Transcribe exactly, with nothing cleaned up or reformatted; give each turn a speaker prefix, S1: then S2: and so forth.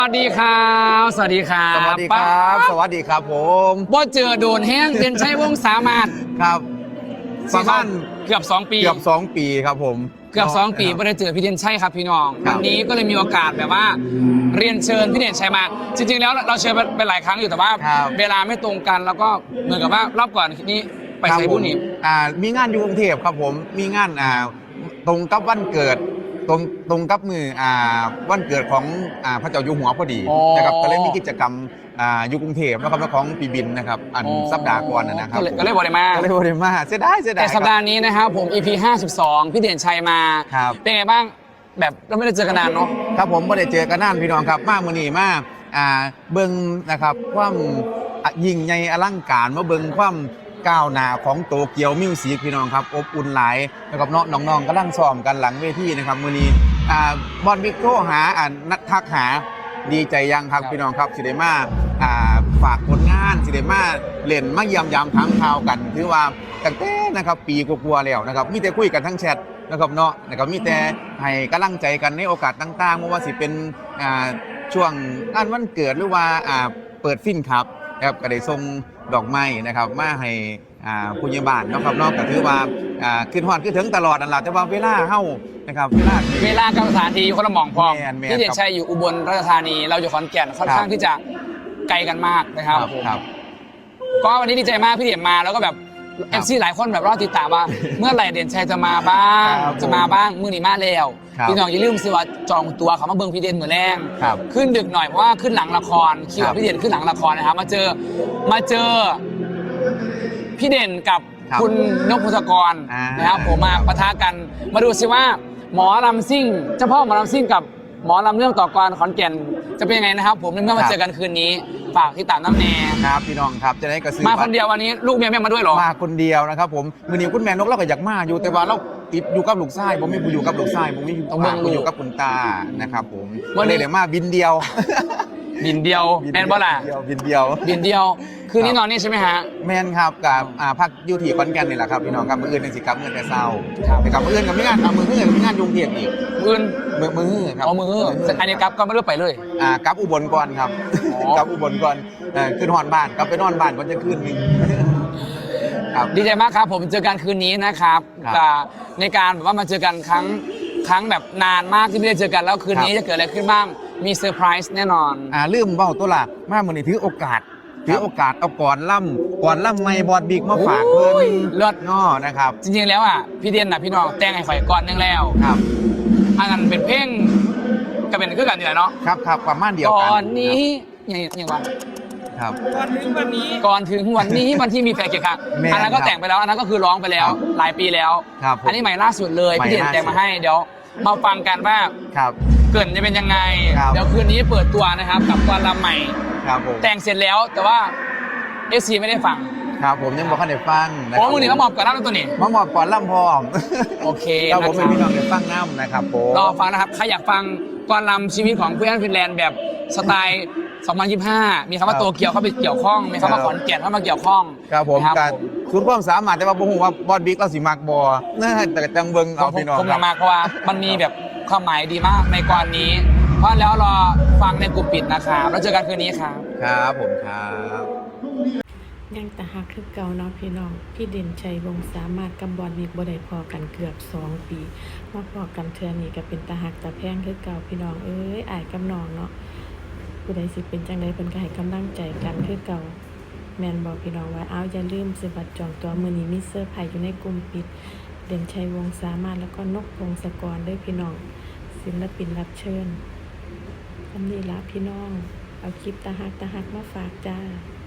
S1: สวัสดีครับสวัสดีครับ
S2: สวัสดีครับสวัสดีครับผม
S1: ว่าเจอโดนแห้งเด่นชัยวงศ์สามารถ
S2: ครับประมาณ
S1: เกือบสองปี
S2: เกือบสองปีครับผม
S1: เกือบสองปีไม่ได้เจอพี่เด่นชัยครับพี่น้อง
S2: ครั
S1: วั
S2: บ
S1: นนี้ก็เลยมีโอกาสแบบว่าเรียนเชิญพี่เด่นชัยมา จริงๆแล้วเราเชิญไปหลายครั้งอยู่แต่ว่า
S2: ครับ
S1: เวลาไม่ตรงกันแล้วก็เหมือนกับว่ารอบก่อนนี้ไป
S2: ครับ
S1: ใช้
S2: ผ
S1: บุญ
S2: ม
S1: นี่
S2: อ่ามีงานอยู่กรุงเทพครับผมมีงานอ่าตรงกับวันเกิดตรงตรงกับมืออ่าวันเกิดของอ่าพระเจ้าอยู่หัวพอดีนะครับก็เลยมีกิจกรรมอ่าอยู่กรุงเทพนะครับของปีบินนะครับอันสัปดาห์ก่อนนะครับ
S1: ก็เลยก็เลยบอกเลยมา
S2: ก็เลยบริมาเสียดายเสียดาย
S1: แต่สัปดาห์นี้นะครับผม อี พี ห้าสิบสองพี่เด่นชัยมา
S2: ครับ
S1: เป็นไงบ้างแบบเราไม่ได้เจอกันนานเนาะ
S2: ครับผมไม่ได้เจอกันนานพี่น้องครับมากมือนี้มากอ่าเบิ้งนะครับความอ่ะยิ่งใหญ่อลังการมาเบิ้งความก้าวหน้าของโตเกียวมิวสิกพี่น้องครับอบอุ่นหลายนะครับเนาะน้องๆกำลังซ้อมกันหลังเวทีนะครับมือนี้อ่าบอลบิ๊กโทรหาอ่านัดทักหาดีใจยังครับพี่น้องครับสิเดมาอ่าฝากผลงานสิเดมาเล่นมาเยี่ยมยามทั้งข่าวกันถือว่าตั้งแต่นะครับปีกว่าๆแล้วนะครับมีแต่คุยกันทั้งแชทนะครับเนาะนะครับมีแต่ให้กำลังใจกันในโอกาสต่างๆไม่ว่าสิเป็นอ่าช่วงงานวันเกิดหรือว่าอ่าเปิดฟินครับนะครับก็ได้ส่งดอกไม้นะครับมาให้อ่าผู้ใหญ่บ้านเนาะครับเนาะก็ถือว่าอ่าขึ้นฮอดขึ้นถึงตลอดนั่นแหละแต่ว่าเวลาเฮานะครับเวลาที่
S1: เวลากับสถานที่คนละหม่องพร้อม
S2: แม่นแม่น
S1: พี่เด่นชัยอยู่อุบลราชธานีเราอยู่ขอนแก่นค่อนข้างที่จะไกลกันมากนะครับ
S2: ครับ
S1: ก็วันนี้ดีใจมากพี่เด่นมาแล้วก็แบบ
S2: ค
S1: เอ
S2: รับ
S1: ฟซีหลายคนแบบรอติดตามว่า เมื่อไหร่เด่นชัยจะมาบ้าง
S2: ครับ
S1: จะมาบ้างมื้อนี้มาแล้ว
S2: ครับ
S1: พี่น้องอย่าลืมสิว่าจองตัวเขามาเบิ่งพี่เด่นเหมือนแรง
S2: ครับ
S1: ขึ้นดึกหน่อยเพราะว่าขึ้นหลังละครคิว
S2: ครั
S1: กับบ พี่เด่นขึ้นหลังละครนะครับมาเจอมาเจอพี่เด่นกับ
S2: ครับ
S1: คุณนกพงศกร
S2: อ่าน
S1: นะครับผมมาปะทะกันมาดูสิว่าหมอลำซิ่งเจ้าพ่อหมอลำซิ่งกับหมอลำเรื่องต่อกรขอนแก่นจะเป็นยังไงนะครับ ผมเมื่อมาเจอกันคืนนี้ฝากที่ตามน้ำแน่
S2: ครับพี่น้องครับจะได้กระซื้อ
S1: มาคนเดียววันนี้ลูกเมียไม่มาด้วยเหรอ
S2: มาคนเดียวนะครับผมมือนี้คุณแม่นกเราก็อยากมาอยู่แต่ว่าเราติดอยู่กับลูกชายผมไม่ผู้อยู่กับลูกชายผมไม่อยู่
S1: ต้องเบิ่งลูก
S2: อยู่กับคุณตานะครับผม
S1: วันนี้
S2: เลยเดี๋ยวมาบินเดียว
S1: บินเดียวแมนบอล่ะ
S2: เดียวบินเดียว
S1: บินเดียว คืนนี้นอนนี่ใช่ไหมฮะ
S2: แมนครับกับอ่าพักอยู่ที่ขอนแก่นนี่แหละครับพี่น้องครับมืออื่นเป็นสิครับมือแต่เศร้า
S1: ครับ
S2: แต่กับมืออื่นกับไม่งานกับมืออื่นกับไม่งานยุงเทียนอีก
S1: อื่น
S2: มือมือครับ
S1: เอามืออันนี้กับก็ไม่รู้ไปเลย
S2: อ่ากลับอุบลก่อนครับ
S1: อ๋อ
S2: กลับอุบลก่อนเอ่อขึ้นหอนบ้านกลับไปนอนบ้านก่อนจะขึ้นหนึงครับ
S1: ดีใจมากครับผมเจอกันคืนนี้นะครับ
S2: ครับ
S1: แต่ในการแบบว่ามาเจอกันครั้งครั้งแบบนานมากที่ไม่ได้เจอกันแล้วคืนนี้
S2: ครับ
S1: จะเกิดอะไรขึ้นบ้างมีเซอร์ไพรส์แน่นอน
S2: อ่าลืมเบ้าตัวละมามือนี้ถือโอกาสถือโอกาสเอาก่อนล่ำก่อนล่ำไม่บอดบิ๊กมาฝากเพิ่
S1: โอ้ย
S2: น
S1: เลิศ
S2: ง้อนะครับ
S1: จริงๆแล้วอ่ะพี่เดียนน่ะพี่น้องแต่งให้ข่อยก่อนหนึงแล้ว
S2: ครับ
S1: อันนั้นเป็นเพลงก็เป็นคือกันนี่แหละเนาะ
S2: ครับครับประมาณเดียวกัน
S1: ก่อนนี้อย่างอย่างวัน
S2: ครับ
S1: ก่อนถึงวันนี้ก่อนถึงวันนี้วันที่มีแฟนเกียรติค่ะ
S2: แม่น
S1: อันนั้นก็แต่งไปแล้วอันนั้นก็คือร้องไปแล้ว
S2: ครับ
S1: หลายปีแล้ว
S2: ครับผม
S1: อันนี้ใหม่ล่าสุดเลย
S2: ใหม่
S1: พี่เด่น
S2: ล่าสุด
S1: แต่งมาให้เดี๋ยวมาฟังกันว่า
S2: ครับ
S1: เกรินจะเป็นยังไง
S2: ครับ
S1: เดี๋ยวคืนนี้เปิดตัวนะครับกับกรลำใหม่
S2: ครับผม
S1: แต่งเสร็จแล้วแต่ว่าเอซีไม่ได้ฟัง
S2: ครับผมยังบอกให้ได้ฟังนะ
S1: โอ้
S2: ครับ
S1: มือหนึ่งก็มอบกับน้ำตัวนี้
S2: มาหมอบก่อนล่ำพร้อม
S1: โอเค
S2: ครับ
S1: นะ
S2: ผม
S1: ค
S2: เป็น
S1: รับ
S2: พี่น้องได้ฟังน้ำนะครับผม
S1: รอฟังนะครับใครอยากฟังกรลำชีวิตของเพื่อนฟินแลนด์แบบสไตล์สองพันยี่สิบห้ามีคำว่าโตเกียวเข้าไปเกี่ยวข้องมีคำว่าขอนแก่นเข้ามาเกี่ยวข้อง
S2: ครับผม
S1: นะ
S2: การศูนย์ความสามารถแต่ว่าผมว่าบอดบิ๊กเราสิมักบอนะแต่จังเบิง
S1: ผ
S2: เอา
S1: ม
S2: พี่น้อง
S1: ผม
S2: ครับ
S1: มากเพราะว่ามันมีแบบความหมายดีมากในกรนี้ เพราะแล้วรอฟังในกลุ่มปิดนะครับแล้วเจอกันคืนนี้ครับ
S2: ครับผมครับ
S3: ยังตะหักคือเก่าเนาะพี่น้องพี่เด่นชัยวงศ์สามารถกำบอลมีบ่ได้พอกันเกือบสองปีมาพอกันเทื่อนี้ก็เป็นตะหักตะแพงคือเก่าพี่น้องเอ้ยอ้ายกับน้องเนาะผู้ใดสิเป็นจังไดเพิ่นก็ให้กำลังใจกันคือเก่าแม่นบอกพี่น้องว่าเอาอย่าลืมซื้อบัตรจองตัวมื้อนี้มีเซอร์ไพรส์อยู่ในกลุ่มปิดเด่นชัยวงศ์สามารถแล้วก็นกพงศกรด้วยพี่น้องศิลปินรับเชิญอันนี้ละพี่น้องเอาคลิปตะหักตะหักมาฝากจ้า